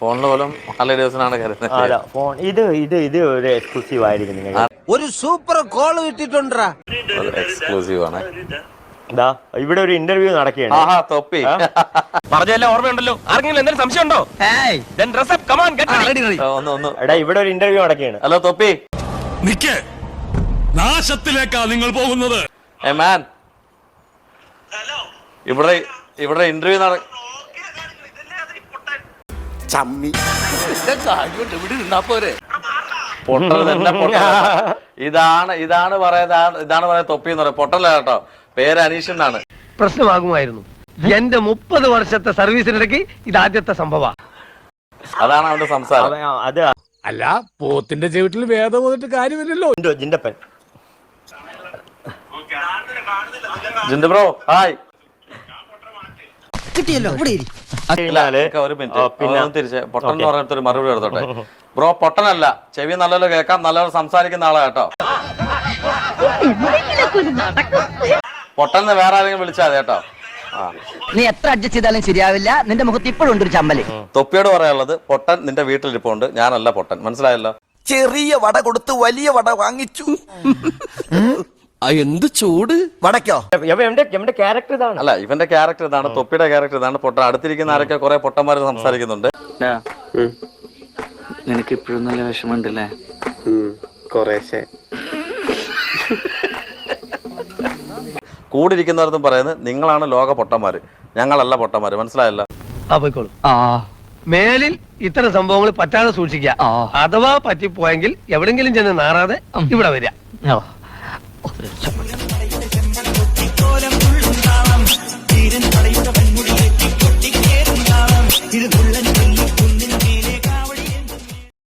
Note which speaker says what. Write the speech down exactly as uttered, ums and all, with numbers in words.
Speaker 1: ഫോണിൽ പോലും നല്ല ദിവസമാണ് കരുതുന്നത്.
Speaker 2: ഫോൺ ഇത് ഇത് ഇത് ഒരു എക്സ്ക്ലൂസീവ് ആയിരിക്കും. നിങ്ങൾ
Speaker 3: ഒരു സൂപ്പർ കോൾ കിട്ടിട്ടുണ്ടാ,
Speaker 1: എക്സ്ക്ലൂസീവ് ആണ്.
Speaker 2: ഇതാ ഇവിടെ ഒരു ഇന്റർവ്യൂ നടക്കുകയാണ്.
Speaker 1: ആഹാ തൊപ്പി
Speaker 4: പറഞ്ഞെല്ലാം ഓർമ്മയുണ്ടല്ലോ. ആർക്കെങ്കിലും എന്തെങ്കിലും സംശയം ഉണ്ടോ?
Speaker 1: ഒന്ന് ഒന്ന്
Speaker 2: എടാ ഇവിടെ ഒരു ഇന്റർവ്യൂ നടക്കുകയാണ്.
Speaker 1: ഹലോ തൊപ്പി,
Speaker 5: നിക്ക്, നാശത്തിലേക്കാ നിങ്ങൾ പോകുന്നത്.
Speaker 1: ഏ മാൻ, ഇവിടെ ഇവിടെ ഇന്റർവ്യൂ നട പൊട്ടൽ തന്നെ പൊട്ടൽ. ഇതാണ് ഇതാണ് പറയുന്നത് ഇതാണ് പറയുന്നത് തൊപ്പി എന്ന് പറയാം. പൊട്ടല്ല കേട്ടോ, പേര് അനീഷ് എന്നാണ്.
Speaker 4: പ്രശ്നമാകുമായിരുന്നു. എന്റെ മുപ്പത് വർഷത്തെ സർവീസിനിടയ്ക്ക് ഇതാദ്യത്തെ സംഭവ.
Speaker 1: അതാണ് അവന്റെ സംസാരം.
Speaker 2: അത്
Speaker 5: അല്ല, പോത്തിന്റെ ചവിട്ടിൽ വേദം വന്നിട്ട് കാര്യമില്ലല്ലോ.
Speaker 2: ജിൻഡപ്പൻ.
Speaker 1: ജിന്ദു ബ്രോ ഹായ്.
Speaker 3: കിട്ടിയല്ലോ.
Speaker 1: ഒരു മിനിറ്റ്, പിന്നെ തിരിച്ച് പൊട്ടൻ എന്ന് പറഞ്ഞിട്ട് ഒരു മറുപടി എടുത്തോട്ടെ. ബ്രോ പൊട്ടനല്ല, ചെവി നല്ലപോലെ കേൾക്കാം, നല്ലപോലെ സംസാരിക്കുന്ന ആളാ കേട്ടോ. പൊട്ടന്ന് വേറെ ആരെങ്കിലും വിളിച്ചാൽ മതി കേട്ടോ.
Speaker 6: നീ എത്ര അഡ്ജസ്റ്റ് ചെയ്താലും ശരിയാവില്ല. നിന്റെ മുഖത്ത് ഇപ്പോഴും ഉണ്ട് ഒരു ചമ്മല്.
Speaker 1: തൊപ്പിയോട് പറയാനുള്ളത്, പൊട്ടൻ നിന്റെ വീട്ടിലിരിപ്പുണ്ട്, ഞാനല്ല പൊട്ടൻ, മനസ്സിലായല്ലോ.
Speaker 3: ചെറിയ വട കൊടുത്ത് വലിയ വട വാങ്ങിച്ചു. എന്ത് ചൂട് വടക്കോ?
Speaker 2: എന്റെ ക്യാരക്ടർ ഇതാണ്.
Speaker 1: അല്ല, ഇവന്റെ ക്യാരക്ടർ ഇതാണ്, തൊപ്പിയുടെ ക്യാരക്ടർ ഇതാണ്. പൊട്ടൻ അടുത്തിരിക്കുന്ന ആരൊക്കെ കുറെ പൊട്ടന്മാർ സംസാരിക്കുന്നുണ്ട്.
Speaker 7: നിനക്ക് ഇപ്പോഴും നല്ല വിഷമമുണ്ടല്ലേ?
Speaker 2: കുറേശ്ശെ.
Speaker 1: കൂടിയിരിക്കുന്നവർക്കും പറയുന്നത് നിങ്ങളാണ് ലോക പൊട്ടന്മാര്, ഞങ്ങളല്ല പൊട്ടന്മാര്, മനസ്സിലായല്ലോ.
Speaker 4: മേലിൽ ഇത്തരം സംഭവങ്ങൾ പറ്റാതെ സൂക്ഷിക്കുക. അഥവാ പറ്റിപ്പോയെങ്കിൽ എവിടെങ്കിലും ചെന്ന് നാറാതെ ഇവിടെ വരിക.